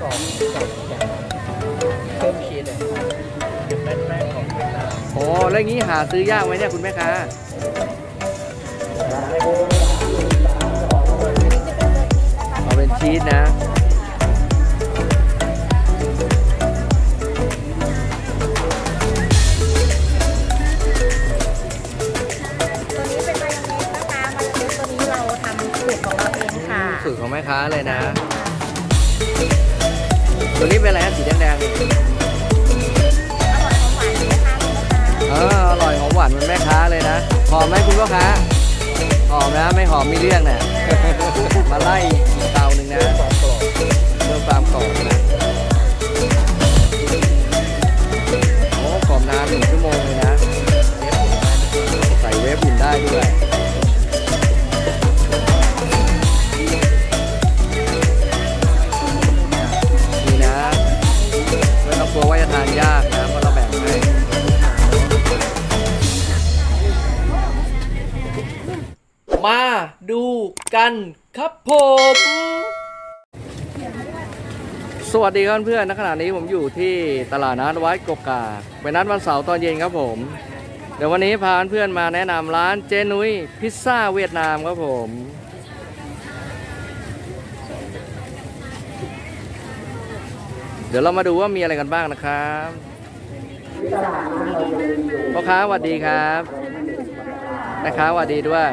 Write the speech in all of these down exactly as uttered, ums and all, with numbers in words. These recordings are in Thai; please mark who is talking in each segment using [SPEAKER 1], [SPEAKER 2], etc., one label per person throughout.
[SPEAKER 1] กรอบกับเพิ่มชีสเป็นแป้งของเวียดนาม
[SPEAKER 2] โอ้แล้วอย่างนี้หาซื้อยากไหมเนี่ยคุณแม่ค้าเอาเป็นชีสนะ
[SPEAKER 3] ตัวนี้เป็นมายองเนสนะคะมายองเนสตัวนี้เราทำสูตรของเราเองค่ะ
[SPEAKER 2] สูตรของแม่ค้าเลยนะตัวนี้เป็นอะไรฮะสีแดงๆนี่
[SPEAKER 3] อร่อยของหวานไหมคะ
[SPEAKER 2] เอออร่อยหอมหวานเหมันแม่ค้าเลยนะหอมไหมคุณพ่อค้าหอมนะไม่หอมมีเรื่องเนี่ย มาไล่อีกเตาหนึ่งนะ
[SPEAKER 1] ความกรอบ
[SPEAKER 2] เพิ่มความกรอบนะโอ้กรอบนานหนึ่งชั่วโมงเลยนะใส่เวฟอุ่นได้ด้วยนี่นะไม่ต้องกลัวว่าจะทานยากนะเพราะเราแบ่งให้มาดูกันครับผมสวัสดีครับเพื่อนๆณขณะนี้ผมอยู่ที่ตลาดนัดวัดกกากเป็นนัดวันเสาร์ตอนเย็นครับผมเดี๋ยววันนี้พาเพื่อนๆมาแนะนำร้านเจนุ้ยพิซซ่าเวียดนามครับผมเดี๋ยวเรามาดูว่ามีอะไรกันบ้างนะครับพ่อค้าสวัสดีครับแม่ค้าสวัสดีด้วย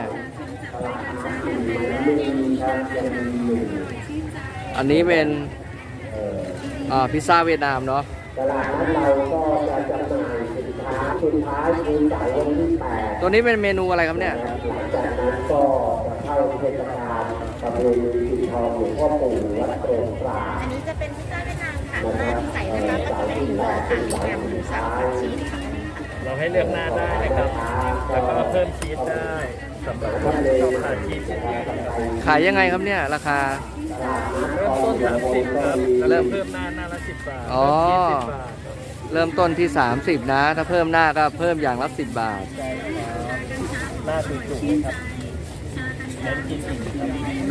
[SPEAKER 2] อันนี้เป็นพิซซ่าเวียดนามเนาะตลาดนั้นเราก็จะจำหน่ายสินค้าสุดท้ายคือเสาร์วันที่แปดตัวนี้เป็นเมนูอะไรครับเนี่ยหลังจากนั้นก็จะเข้าเทศกาลประเพณีปีทองหลวงพ่อปู่วัดโปร่งปราบ
[SPEAKER 3] อันนี้จะเป็นพิซซ่าเวียดนามค่ะหน้าที่ใส่นะคะก็จะเป็นเนื้อค่ะแฮมหมูสับกับชีสค่ะ
[SPEAKER 1] เราให้เลือกหน้าได้นะครับ แล้วก็เพิ่มชีสได้สำหรับคนที่ชอบทานชีสเยอะๆ
[SPEAKER 2] ขายยังไงครับเนี่ยราคา
[SPEAKER 1] เริ่มต้นสามสิบครับแล้วเริ่มเพิ่มหน้าหน้าละสิบบาท
[SPEAKER 2] อ๋อ
[SPEAKER 1] เพิ่มชีสสิบบาทครับ
[SPEAKER 2] เริ่มต้นที่สามสิบนะถ้าเพิ่มหน้าก็เพิ่มอย่างละสิบบาท
[SPEAKER 1] ใช่ครับหน้าจุกๆเลยครับเน้นกินอิ่มครับ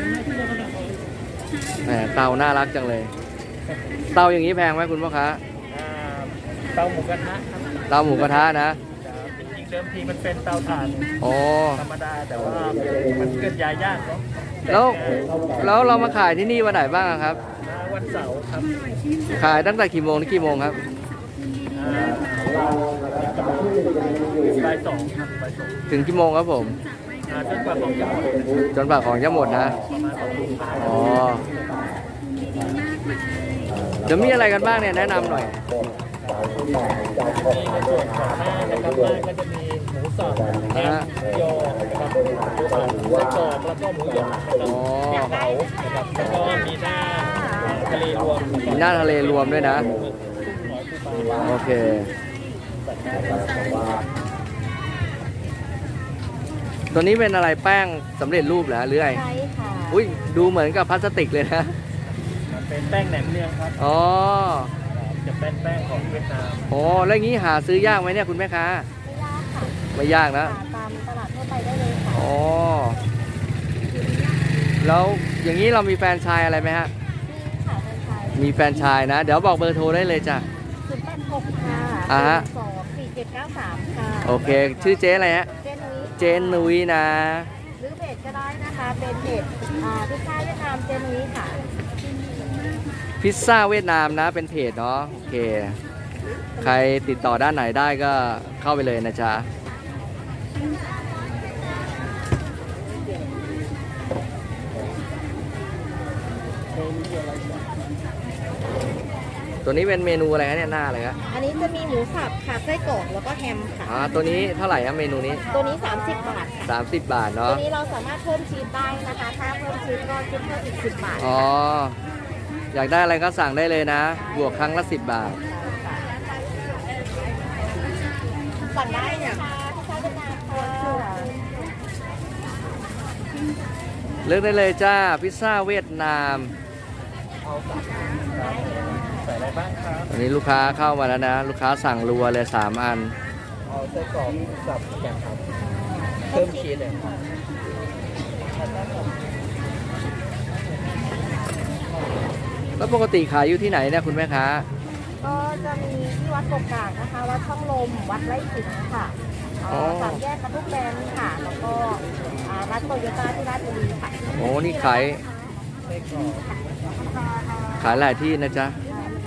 [SPEAKER 2] แหมเตาน่ารักจังเลย เตาอย่างนี้แพงไหมคุณพ่อค้า
[SPEAKER 1] อ่าเตาหมูกระทะครับ
[SPEAKER 2] เตาหมูกระทะนะ
[SPEAKER 1] ครับจริงๆเดิมทีมันเป็นเตาถ่าน
[SPEAKER 2] โอ้
[SPEAKER 1] ธรรมดาแต่ว่ามันเคลื่อนย้ายยากเนาะ
[SPEAKER 2] แล้วแล้วเรามาขายที่นี่วันไหนบ้างครับ
[SPEAKER 1] อ่าวันเสาร์ครับ
[SPEAKER 2] ขายตั้งแต่กี่โมงถึงกี่โมงครับ
[SPEAKER 1] อ่าบ่ายสองครับบ่ายสอง
[SPEAKER 2] ถึงกี่โมงครับผม
[SPEAKER 1] อ่าจนกว่าของจะหมด
[SPEAKER 2] จนปากของจะหมดนะ
[SPEAKER 1] ประมาณสองทุ่ม
[SPEAKER 2] อ๋อเดี๋ยวมีอะไรกันบ้างเนี่ยแนะนำหน่อย
[SPEAKER 1] มีในส่วนของหน้านะครับหน้าก็จะมีหมูสับแฮมหมูยอนะครับหมูกรอบแล้วก็หมูหยองนะครับ
[SPEAKER 2] อ๋อ
[SPEAKER 1] พริกเผานะครับแล้วก็มีหน้าทะเลรวม
[SPEAKER 2] มีหน้าทะเลรวมด้วยนะ โอเค ตัวนี้เป็นอะไรแป้งสำเร็จรูปเหรอหรือไง
[SPEAKER 3] ใช่ค่ะ
[SPEAKER 2] อุ้ยดูเหมือนกับพลาสติกเลยนะ
[SPEAKER 1] มันเป็นแป้งแหนมเนืองครับ
[SPEAKER 2] อ๋อ
[SPEAKER 1] จะเป็นแป้งของเวียดนาม
[SPEAKER 2] โอ้แล้วอย่างนี้หาซื้อยากไหมเนี่ยคุณแม่ค้า
[SPEAKER 3] ไม่ยากค่ะ
[SPEAKER 2] ไม่ยากนะ
[SPEAKER 3] หาตามตลาดทั่วไปได้เลยค่ะ
[SPEAKER 2] อ๋อ แล้วอย่างนี้เรามีแฟรนไชายอะไรไหมฮะ
[SPEAKER 3] ขายเป็นไทย
[SPEAKER 2] มีแฟรนไชายนะ เดี๋ยวบอกเบอร์โทรได้เลยจ้ะ
[SPEAKER 3] ศูนย์แปดหกค่ะ
[SPEAKER 2] อ่าฮะ
[SPEAKER 3] สองสี่เจ็ดเก้าสามค่ะ
[SPEAKER 2] โอเค ชื่อเจ๊อะไรฮะ
[SPEAKER 3] เจนุ้ย
[SPEAKER 2] เจนนุ้ยนะ
[SPEAKER 3] หรือเพจก็ได้นะคะ เป็นเพจอ่าพิซซ่าเวียดนามเจนุ้ยค่ะ
[SPEAKER 2] พิซซ่าเวียดนามนะ เป็นเพจเนาะ โอเค ใครติดต่อด้านไหนได้ก็เข้าไปเลยนะจ๊ะ ตัวนี้เป็นเมนูอะไรคะเนี่ยหน้าอะไรคะ
[SPEAKER 3] อันนี้จะมีหมูสับค่ะไส้กรอกแล้วก็แฮมค่ะ
[SPEAKER 2] อ่าตัวนี้เท่าไหร่ครับเมนูนี้
[SPEAKER 3] ตัวนี้ สามสิบบาทค่ะ
[SPEAKER 2] สามสิบบาท
[SPEAKER 3] ตั
[SPEAKER 2] เนาะ
[SPEAKER 3] วนี้เราสามารถเพิ่มชีสได้นะคะ ถ้าเพิ่มชีสก็คิดเพิ่มอีกสิบบาท
[SPEAKER 2] อ๋อ อยากได้อะไรก็สั่งได้เลยนะ บวกครั้งละสิบบาท
[SPEAKER 3] สั่งได้นะคะพิซซ่าเวียดนามค่ะ
[SPEAKER 2] เลือกได้เลยจ้า พิซซ่าเวียดนาม
[SPEAKER 1] ใส่อะไรบ้างครับ
[SPEAKER 2] ตอนนี้ลูกค้าเข้ามาแล้วนะ ลูกค้าสั่งรัวเลยสามอัน
[SPEAKER 1] เอาไส้กรอกสับอย่างครับเพิ่มชีสเลย
[SPEAKER 2] แล้วแล้วปกติขายอยู่ที่ไหนเนี่ยคุณแม่ค้า
[SPEAKER 3] ก็จะมีที่วัดกกกากนะคะ วัดช่องลม วัดไร่ขิงค่ะเอ่อ
[SPEAKER 2] อ๋อ
[SPEAKER 3] สามแยกกระทุกแบนค่ะ แล้วก็อ่ารัดโตโยต้าที่ราชบุรีค่ะ
[SPEAKER 2] โอ้นี่ขาย
[SPEAKER 1] ไส้กรอก
[SPEAKER 2] ขายหลายที่นะจ๊ะ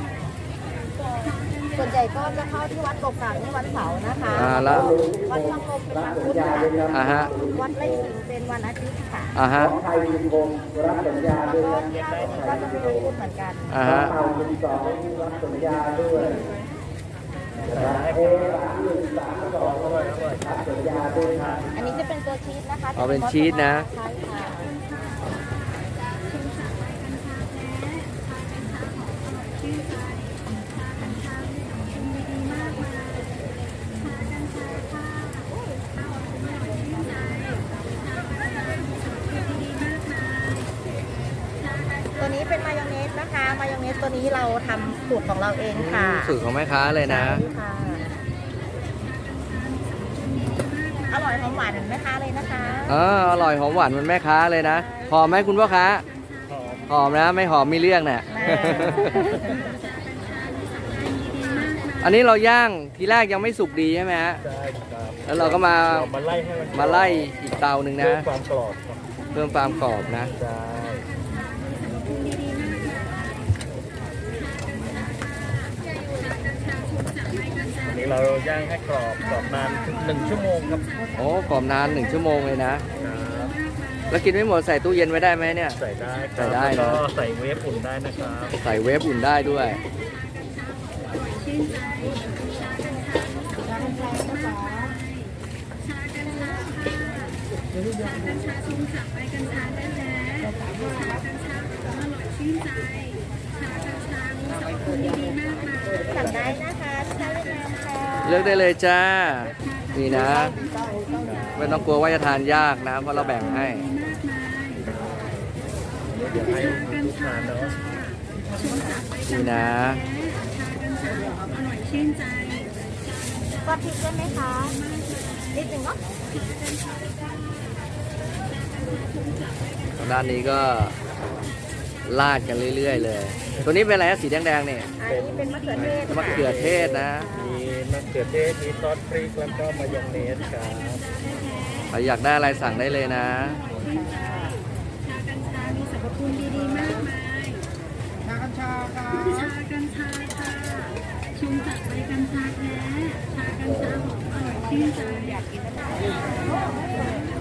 [SPEAKER 3] ส่วนใหญ่ก็จะเข้าที่วัดกกกากในวันเสาร์นะคะ
[SPEAKER 2] อ่าแล้ว
[SPEAKER 3] วัดช่องลมเป็นวันพุธค่ะ
[SPEAKER 2] อ่าฮะ
[SPEAKER 3] วัดไร่ขิงเป็นวันอาทิตย์ค่ะ
[SPEAKER 2] อ่าฮะ
[SPEAKER 3] แล้วก็ที่ราชบุรีก็จะเป็นวันพุธเหมือนกัน
[SPEAKER 2] อ่าฮะ
[SPEAKER 3] อันนี้จะเป็นตัวชีสนะคะ
[SPEAKER 2] อ๋อเป็นชีสนะ
[SPEAKER 3] ใช่ค่ะ ตัวนี้เป็นมายองเนสนะคะ มายองเนสตัวนี้เราทำสูตรของเราเองค่ะ
[SPEAKER 2] สูตรของแม่ค้าเลยนะ
[SPEAKER 3] ใช่ค่ะ อร่อยหอมหวานเหมือนแม่ค้าเลยนะคะ
[SPEAKER 2] เอออร่อยหอมหวานเหมันแม่ค้าเลยนะ หอมไหมคุณพ่อค้า
[SPEAKER 1] หอม
[SPEAKER 2] หอมนะ ไม่หอมมีเรื่องเนี่ย อันนี้เราย่างทีแรกยังไม่สุกดีใช่ไหมฮะ
[SPEAKER 1] ใช่ครับ
[SPEAKER 2] แล้วเราก็มา
[SPEAKER 1] เรามาไล่ให้มัน
[SPEAKER 2] มาไล่อีกเตาหนึ่ง
[SPEAKER 1] เพิ่
[SPEAKER 2] นะ
[SPEAKER 1] มความกรอบครับ
[SPEAKER 2] เพิ่มความกรอบนะ
[SPEAKER 1] ใช่อันนี้เราย่างให้กรอบกรอบนานถึงหนึ่งชั่วโมงครับ
[SPEAKER 2] โอ้กรอบนานหนึ่งชั่วโมงเลยนะ
[SPEAKER 1] ครับ
[SPEAKER 2] แล้วกินไม่หมดใส่ตู้เย็นไว้ได้ไหมเนี่ย
[SPEAKER 1] ใส่ได้ครับ
[SPEAKER 2] ใส่ได้นะ
[SPEAKER 1] แล้วก็ใส่เวฟอุ่นได้นะครับ
[SPEAKER 2] ใส่เวฟอุ่นได้ด้วย
[SPEAKER 3] สั่งได้นะคะที่ร้านเวียดนามค่ะ
[SPEAKER 2] เลือกได้เลยจ้า นี่นะ ไม่ต้องกลัวว่าจะทานยากนะ เพราะเราแบ่งให้
[SPEAKER 1] เดี๋ยวให้ลูกค้าเนาะ
[SPEAKER 2] นี่นะ
[SPEAKER 3] ก็พริกได้ไหมคะนิดหนึ่งเนาะ
[SPEAKER 2] ด้านนี้ก็ลาดกันเรื่อยๆเลย ตัวนี้เป็นอะไรนะสีแดงๆเนี่ย
[SPEAKER 3] อันนี้เป็นมะเขือเทศ
[SPEAKER 2] มะเขือเทศนะ
[SPEAKER 1] มีมะเขือเทศมีซอสพริกแล้วก็มายองเนสครับ
[SPEAKER 2] ใครอยากได้อะไรสั่งได้เลยนะ
[SPEAKER 4] มีสรรพคุณดีๆมากมาย
[SPEAKER 3] ชากัญชาค่ะ
[SPEAKER 4] ชากัญชาค่ะชงจากใบกัญชาแท้ ชากัญชาหอมอร่อยชื่นใจอยากกินนะคะ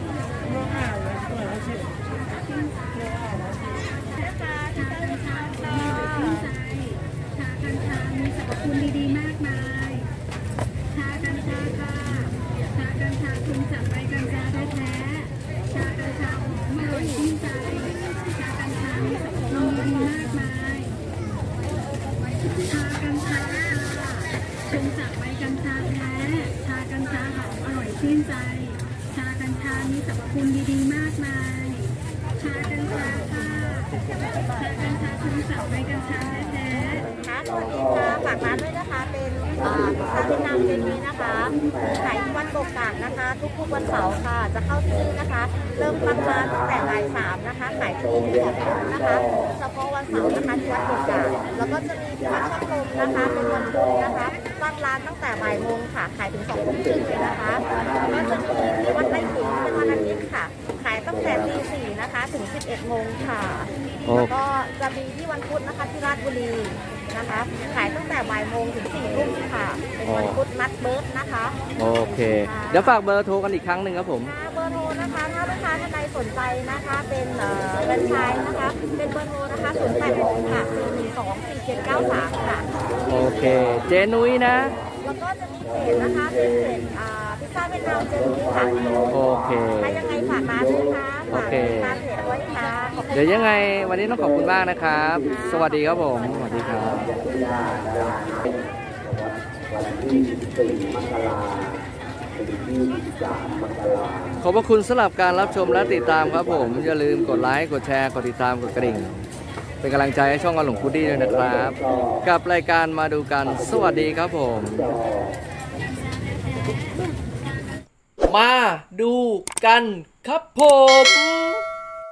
[SPEAKER 4] ชากัญชาค่ะชื่นใจ ชากัญชา มีสรรพคุณดีๆมากมาย ชากัญชาค่ะ ชากัญชาชงจากใบกัญชาแท้ๆชากัญชาหอมอร่อยชื่นใจ ชากัญชา มีสรรพคุณดีๆมากมาย ชากัญชาชงจากใบกัญชาแท้ ชากัญชาหอมอร่อยชื่นใจ ชากัญชา มีสรรพคุณดีๆมากมาย ชากัญชาค่ะ ชากัญชาชงจากใบกัญชาแท้ๆ
[SPEAKER 3] ค่ะสวัสดีค่ะฝากร้านด้วยนะคะ เป็นเอ่อพิซซ่าเวียดนามเจนี้นะคะขายที่วัดกกกากนะคะ ทุกๆวันเสาร์ค่ะ จะเข้าที่นี่นะคะ เริ่มตั้งร้านตั้งแต่บ่ายสามนะคะ ขายที่นี่แบบนี้นะคะ เฉพาะวันเสาร์นะคะที่วัดกกกากแล้วก็จะมีที่วัดช่องลมนะคะ เป็นวันพุธนะคะ ตั้งร้านตั้งแต่บ่ายโมงค่ะ ขายถึงสองทุ่มครึ่งเลยนะคะแล้วก็จะมีที่วัดไร่ขิงเป็นวันอาทิตย์ค่ะ ขายตั้งแต่ตีสี่นะคะถึงสิบเอ็ดโมงค่ะ
[SPEAKER 2] โอ้
[SPEAKER 3] แล้วก็จะมีที่วันพุธนะคะที่ราชบุรีนะคะ ขายตั้งแต่บ่ายโมงถึงสี่ทุ่มค่ะ เป็นวันพุธนัดเบิร์ดนะคะ
[SPEAKER 2] โอเค เดี๋ยวฝากเบอร์โทรกันอีกครั้งหนึ่งครับผม
[SPEAKER 3] เบอร์โทรนะคะ ถ้าลูกค้าท่านใดสนใจนะคะ เป็นเอ่อแฟรนไชส์นะคะ เป็นเบอร์โทรนะคะศูนย์แปดหกค่ะสี่หนึ่งสองสี่เจ็ดเก้าสามค่ะ
[SPEAKER 2] โอเค เจนุ้ยนะ
[SPEAKER 3] แล้วก็จะมีเพจนะคะ เป็นเพจอ่าพิซซ่าเวียดนามเจนี่ค่ะ
[SPEAKER 2] โอเค
[SPEAKER 3] ถ้ายังไงฝากร้านด้วยค่ะ
[SPEAKER 2] โอ
[SPEAKER 3] ฝาก
[SPEAKER 2] เค
[SPEAKER 3] ตามเพจไว้ค่ะขอบคุณ
[SPEAKER 2] เดี๋ยวยังไงวันนี้ต้องขอบคุณมากนะครับ สวัสดีครับผม สวัสดีครับ ขอบพระคุณสำหรับการรับชมและติดตามครับผม อย่าลืมกดไลค์ กดแชร์ กดติดตาม กดกระดิ่ง เป็นกำลังใจให้ช่องกระหลงพุดดี้ด้วยนะครับ กับรายการมาดูกัน สวัสดีครับผม มาดูกันครับผม